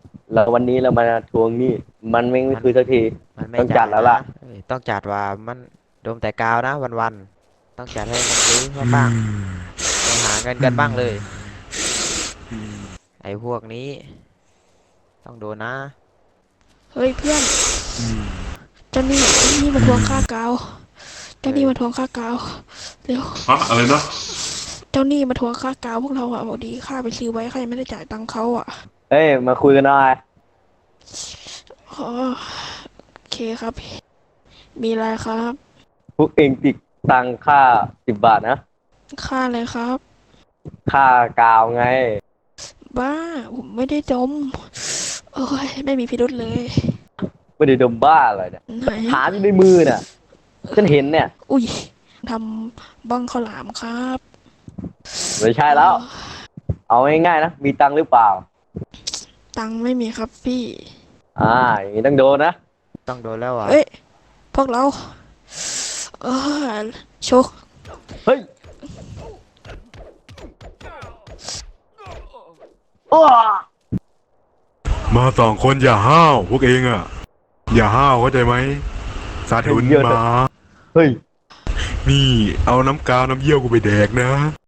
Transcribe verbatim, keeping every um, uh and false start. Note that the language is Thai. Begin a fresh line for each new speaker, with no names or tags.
แล้ววันนี้เรามาทวงหนี้มันไม่ไม่
มัน
คืนสักที
มันไม่
ต้อง
จ่ายนะ
จัดแล้วล่ะ
เอ้ยต้องจัดว่ามันดมแต่กาวนะวันๆต้องจัดให้มันรู้ว่า
อื
บ้าง
ม
ไม่หาเงิน
อื
กันบ้างเลย
มอืม
ไอ้พวกนี้ต้องโดนนะ
เฮ้ยเพื่อน
อืม
เจ้าหนี้เจ้าหนี้มา
อื
ทวง
ม
ค่ากาวเจ้าห
เฮ้ย
นี้มาทวงค่ากาวเร็ว
ฮะอะไรนะ
เจ้าหนี้มาทวงค่ากาวพวกเราอะบอกดีค่าไปซื้อไว้ใครไม่ได้จ่ายตังค์เขาอะ
เฮ้ยมาคุยกันหน่อย
อ๋อโอเคครับมีอะไรครับ
พวกเองติดตังค่าสิบบาทนะ
ค่าอะไรครับ
ค่ากาวไง
บ้าผมไม่ได้จมโอ้ยไม่มีพิรุธเลย
ไม่ได้ดมบ้าอะไรเนี่ย
ไหน
หลักฐานอยู่ในมือเนี่ยฉันเห็นเนี่ย
อุ้ยทำบ้องข้าวหลามครับ
ไม่ใช่
เอ
แล้ว
อ
เอาง่ายๆนะมีตังค์หรือเปล่า
ตังค์ไม่มีครับพี่
อ่าอย่างนี้ต้องโดนนะ
ต้องโดนแล้วอ่ะ
เอ้ยพวกเราเออโชค
เฮ้ยอ้อ
มาสองคนอย่าห้าวพวกเองอ่ะอย่าห้าวเข้าใจไหมสาธุน
เยอะ
มา
เฮ้ย
นี่เอาน้ำกาวน้ำเยี่ยวกูไปแดกนะ